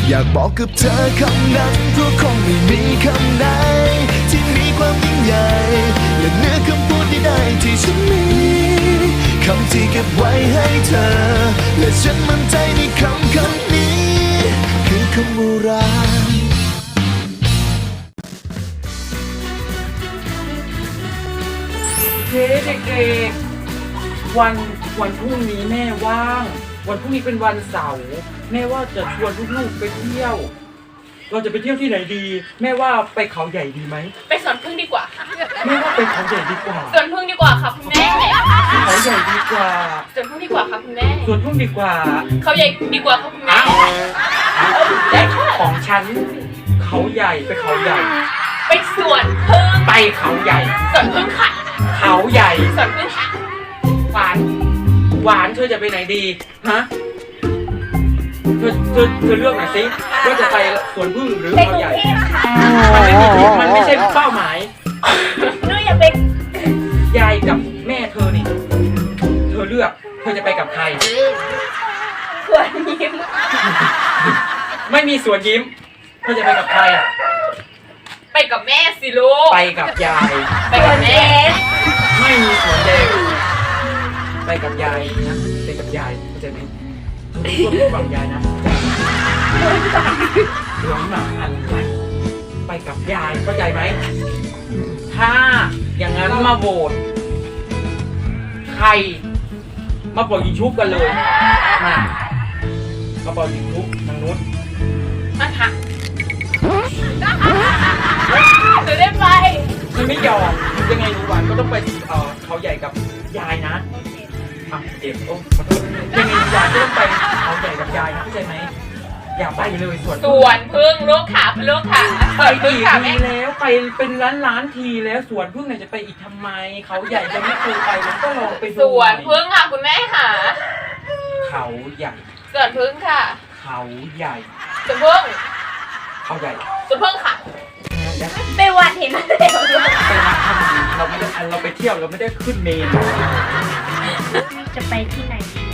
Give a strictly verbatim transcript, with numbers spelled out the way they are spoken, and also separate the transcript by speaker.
Speaker 1: อยากบอกกับเธอคำนั้นเพราะคงไม่มีคำไหนที่มีความยิ่งใหญ่และเหนือคำพูดใดๆที่ฉันมีคำที่เก็บไว้ให้เธอและฉันมั่นใจในคำคำนี้คือคำว่ารัก
Speaker 2: เฮ้เด็กๆวันวันพรุ่งนี้แม่ว่างวันพรุ่งนี้เป็นวันเสาร์แม่ว่าจะชวนลูกๆไปเที่ยวเราจะไปเที่ยวที่ไหนดีแม่ว่าไปเขาใหญ่ดีไหม
Speaker 3: ไปสวนพึ่งดีกว่าค่ะ
Speaker 2: แม่ว่าไปเขาใหญ่ดีกว่า
Speaker 3: สวนพึ่งดีกว่าค่ะคุณแม่
Speaker 2: เขาใหญ่ดีกว่า
Speaker 3: สวนพึ่งดีกว่าค่ะคุณแม่
Speaker 2: สวนพึ่งดีกว่า
Speaker 3: เขาใหญ่ดีกว่าค่ะคุณแม่
Speaker 2: แต่ของฉันเขาใหญ่ไปเขาใหญ่
Speaker 3: ไปสวนพึ่ง
Speaker 2: ไปเขาใหญ่
Speaker 3: สวนพึ่งค่ะ
Speaker 2: เขาใหญ่
Speaker 3: สวนพึ่งค่ะ
Speaker 2: หวานหวานเธอจะไปไหนดีฮะเธอเธอเธอเลือกหน่อยสิว่าจะไปสวนพึ่งหรือเขาใหญ่มันไม่มีมันไม่ใช่เป้าหมาย
Speaker 3: หนูอยากไป
Speaker 2: ยายกับแม่เธอนี่เธอเลือกเธอจะไปกับใคร
Speaker 3: สวนยิ้ม
Speaker 2: ไม่มีสวนยิ้มเธอจะไปกับใคร
Speaker 3: ไปกับแม่สิลูก
Speaker 2: ไปกับยาย
Speaker 3: ไปกับแม่
Speaker 2: ไม่มีสวนแดงไปกับยายนะไปกับยายเข้าใจไหมทุกคนฟังยายนะเรื่องหนักอะไรไปกับยายเข้าใจไหมถ้าอย่างนั้นมาโหวตใครมาปล่อยยิงชุบกันเลยมามาปล่อยยิงชุบทางนู้น
Speaker 3: มาค่ะจะได้ไป
Speaker 2: ฉันไม่ยอมยังไงรู้วันก็ต้องไปเอ่อเขาใหญ่กับยายนะอ่ะเจ็บโอ้ขอโทษยังไงยายก็ต้องไปเขาใหญ่กับยายนะเข้าใจไหมอย่าไปเลยสวน
Speaker 3: สวนพึ่งลูกขาลูกขา
Speaker 2: ไปอีกทีแล้วไปเป็นล้านล้านทีแล้วสวนพึ่งเนี่ยจะไปอีกทำไมเขาใหญ่จะไม่เคยไปแล้วก็ลองไปดู
Speaker 3: สวนพึ่งค่ะคุณแม่ค่ะ
Speaker 2: เขาใหญ่
Speaker 3: สวนพึ่งค่ะ
Speaker 2: เขาใหญ่
Speaker 3: สวนพึ่ง
Speaker 2: เขาใหญ่
Speaker 3: สวนพึ่งค่ะไปวัดเห็นไหมไปวัด
Speaker 2: ทำเราไม่ได้เราไปเที่ยวเราไม่ได้ขึ้นเมน
Speaker 4: จะไปที่ไหนดี